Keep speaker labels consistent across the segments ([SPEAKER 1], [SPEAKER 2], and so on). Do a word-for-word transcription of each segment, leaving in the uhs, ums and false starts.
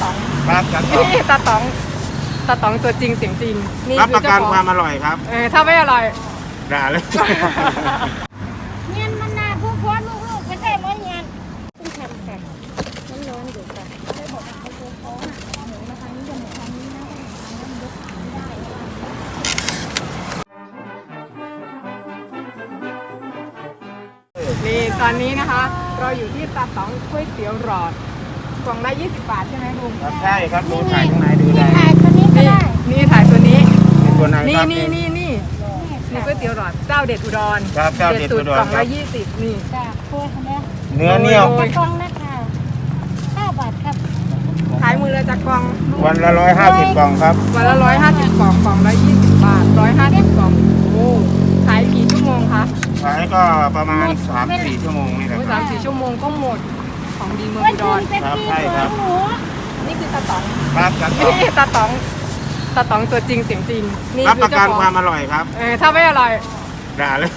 [SPEAKER 1] ๋อง
[SPEAKER 2] ครับตาต๋อง
[SPEAKER 1] นี่ตาต๋องตาต๋องตัวจริงเสียงจริงนี่
[SPEAKER 2] รับ
[SPEAKER 1] คื
[SPEAKER 2] ป
[SPEAKER 1] อ
[SPEAKER 2] ระ
[SPEAKER 1] เจ้า
[SPEAKER 2] กัน
[SPEAKER 1] ของ
[SPEAKER 2] ความอร่อยครับ
[SPEAKER 1] เออถ้าไม่อร่อย
[SPEAKER 2] ด่าเลย
[SPEAKER 3] เงียนมันนาผู้พวดลูกๆไม่ใช่ร้อยเงียนต้องทำค่ะมันร้อนอยู่ค่ะได้บอกว่าเขาโค้งอ่ะหมูนะคะนี่จะหมูทางนี้นะทางนั้นยกไม่ได้
[SPEAKER 1] นี่ตอนนี้นะคะ เราอยู่ที่ตาต๋องก๋วยเตี๋ยวหลอดกล่องละยี่สิบบาทใช่ไหมลุง
[SPEAKER 2] ครับใช่ครับดูถ่ายข้างในดูได้
[SPEAKER 3] ถ่ายตัวนี้ก็
[SPEAKER 1] นี่
[SPEAKER 3] ได้
[SPEAKER 1] นี่ถ่ายตัวนี้
[SPEAKER 2] เป็นตัวไหน
[SPEAKER 1] นี่
[SPEAKER 2] ครับ
[SPEAKER 1] นี่นี่นี่นี่ก๋วยเตี๋ยวหลอดเจ้าเด็ดอุดร
[SPEAKER 2] ครับเจ้าเด็ดอุดร
[SPEAKER 1] กล่อง
[SPEAKER 2] ครั
[SPEAKER 1] ละ
[SPEAKER 2] บ
[SPEAKER 1] ยี่สิบนี่
[SPEAKER 3] จ้าคุยนะ
[SPEAKER 2] เนื้อเหนียว
[SPEAKER 1] โอ้
[SPEAKER 3] กระกองนะคะเก้าบาทครับ
[SPEAKER 1] ขายมือละจากกล่องลูก
[SPEAKER 2] วันละร้อยห้าสิบกล่องครับ
[SPEAKER 1] วันละร้อยห้าสิบกล่องกล่องละยี่สิบบาทร้อยห้าสิบกล่องโอ้ขายกี่ชั่วโมงคะ
[SPEAKER 2] ขายก็ประมาณสามสี่ชั่วโมงนี่แหละ
[SPEAKER 1] โอ้
[SPEAKER 2] ค
[SPEAKER 1] สา
[SPEAKER 2] รับ
[SPEAKER 1] มสี่ชั่วโมงก็หมดของดีเมือง
[SPEAKER 3] วัน
[SPEAKER 1] อุด
[SPEAKER 3] คื
[SPEAKER 1] ร
[SPEAKER 3] นเป็น
[SPEAKER 2] ครับ
[SPEAKER 3] ปี
[SPEAKER 2] ใช่ครับ
[SPEAKER 3] หมู
[SPEAKER 1] นี่คือตาต๋อง
[SPEAKER 2] ครับตาต๋อง
[SPEAKER 1] นี่ตาต๋องตาต๋องตัวจริงเสียงจริงนี่
[SPEAKER 2] รับ
[SPEAKER 1] คื
[SPEAKER 2] ป
[SPEAKER 1] อ
[SPEAKER 2] ระ
[SPEAKER 1] เจ้า
[SPEAKER 2] กัน
[SPEAKER 1] ของ
[SPEAKER 2] ความอร่อยครับ
[SPEAKER 1] เออถ้าไม่อร่อย
[SPEAKER 2] ด่าเลย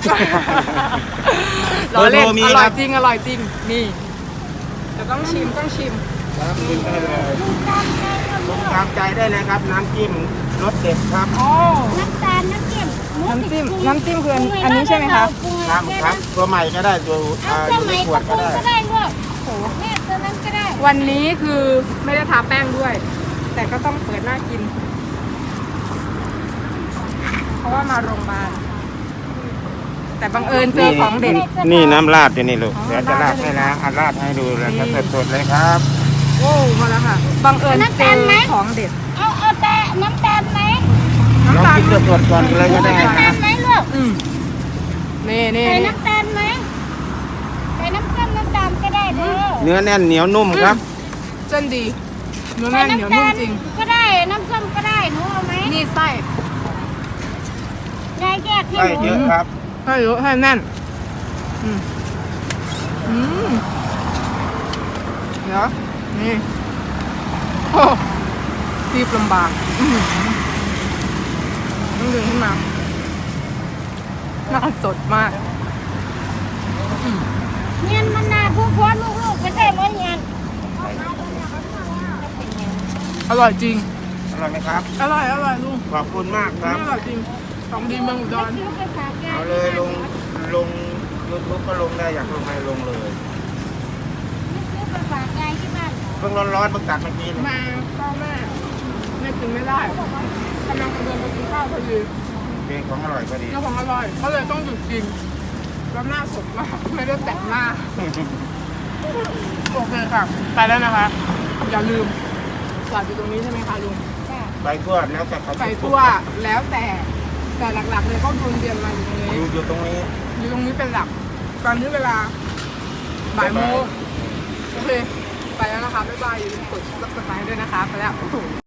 [SPEAKER 1] เราเล่น
[SPEAKER 2] เบอร์โทรมี
[SPEAKER 1] อ
[SPEAKER 2] ค
[SPEAKER 1] ร่
[SPEAKER 2] รั
[SPEAKER 1] อย
[SPEAKER 2] บ
[SPEAKER 1] จริงอร่อยจริงนี่แต่ต้องชิมต้องชิม
[SPEAKER 2] ครับกินได้เลย
[SPEAKER 3] ลูกตาลไงก็
[SPEAKER 2] ล
[SPEAKER 3] ลู
[SPEAKER 2] ง
[SPEAKER 3] ก
[SPEAKER 2] ตามใจได้เลยครับน้ำจิ้มรสเด็ดครับ
[SPEAKER 1] อ๋อ
[SPEAKER 3] น้ำตาลน้ำเค็มหมู
[SPEAKER 1] น้ำจิ้ม
[SPEAKER 3] ติด
[SPEAKER 1] น้ำจิ้มคืออันนี้ใช่ไหมคะ
[SPEAKER 2] ครับครับตัวใหม่ก็ได้ตัว
[SPEAKER 3] เอา
[SPEAKER 2] อ่า
[SPEAKER 3] ส
[SPEAKER 2] อยู่ใน
[SPEAKER 3] มัย
[SPEAKER 2] ขว
[SPEAKER 3] ตะ
[SPEAKER 2] ด
[SPEAKER 3] ปู
[SPEAKER 2] ก็ได้
[SPEAKER 3] ก็ได้ลูก
[SPEAKER 1] โอ้โห
[SPEAKER 3] แม่ตัวนั้นก็ได้
[SPEAKER 1] วันนี้คือไม่ได้ทาแป้งด้วย แต่ก็ต้องเปิดหน้ากิน เพราะว่ามาโรงพยาบาลแต่บังเอิญเจอของเด็ด
[SPEAKER 2] นี่น้ำราดอยู่นี่ลูก
[SPEAKER 1] อ๋อ
[SPEAKER 2] เดี๋ยวจะราดให้นะอันราดให้ดูเลยครับสดๆเลยครับ
[SPEAKER 1] โอ้มาแล้วค่ะบังเอิญเจอของเด็ด
[SPEAKER 3] เอาเอาแต่น้ำตาลไหม
[SPEAKER 2] ลอง
[SPEAKER 1] น้ำตาล
[SPEAKER 2] กินสดๆก่อนเลยก็ได้
[SPEAKER 3] น้ำตา
[SPEAKER 2] นะ
[SPEAKER 3] ลไหมลูก
[SPEAKER 1] อืมนี่นี่
[SPEAKER 3] ใส่
[SPEAKER 1] นี่
[SPEAKER 3] น้ำตาลไหมใส่น้ำส้มน้ำตาลก็ได้เด้อ
[SPEAKER 2] เนื้อแน่นเหนียวนุ่มครับ
[SPEAKER 1] เส้นดีเนื้อ
[SPEAKER 3] ใส่
[SPEAKER 1] แน่นเหนียว
[SPEAKER 3] น้ำ
[SPEAKER 1] นุ่
[SPEAKER 3] ตาม ล
[SPEAKER 1] จริง
[SPEAKER 3] ก็ได้น้ำส้มก็ได้หนูเอาไหม
[SPEAKER 1] นี่ไส้
[SPEAKER 3] ยายแยกให้
[SPEAKER 2] ใช่
[SPEAKER 3] หนู
[SPEAKER 2] เยอะครับ
[SPEAKER 1] ให้เยอะให้แน่นอืมอืมเดี๋ยวนี่โอ้ตีบลำบากอื้อหือต้องดึงขึ้นมาหน้าสดมาก
[SPEAKER 3] เงียนมันนาผู้พวดลูกๆไม่ใช่ร้อยเงียน
[SPEAKER 1] อร่อยจริง
[SPEAKER 2] อร่อยไหมครับ
[SPEAKER 1] อร่อยอร่อยลุง
[SPEAKER 2] ขอบคุณมากครับ
[SPEAKER 1] อร่อยจริงของดีเมืองอุดร
[SPEAKER 3] ซื้อไปฝากยาย
[SPEAKER 2] เอาเลยลงลงยูทูบก็ลงได้อยากลงไหนลงเลย
[SPEAKER 3] ซื้อไปฝากยายที่บ้าน
[SPEAKER 2] เพิ่งร้อนๆเพิ่งตัดเมื่อกี้เลย
[SPEAKER 1] มาพ่อแม่ไม่กินไม่ได้กำลังจะเดินไปกินข้าวพอดี
[SPEAKER 2] เป็นของอร่อยพอดี
[SPEAKER 1] เจ้าของอร่อยก็เลยต้องหยุดกินแล้วหน้าสดมากไม่ได้แต่งหน้าโอเคค่ะไปแล้วนะคะ อย่าลืมจอดอยู่ตรงนี้ใช่ไหมคะลุง
[SPEAKER 2] ไปทั่วแล้วแต่เขา
[SPEAKER 1] ไปทั่วแล้วแต่แต่หลักๆเลยก็วนเวียนมาอยู่ตรงนี้
[SPEAKER 2] อยู่อยู่ตรงนี้
[SPEAKER 1] อยู่ตรงนี้เป็นหลักตอนนี้เวลาบ่ายโมงโอเคไปแล้วนะคะบ๊ายบายอย่าลืมกด ซับสไครบ์ ด้วยนะคะไปแล้ว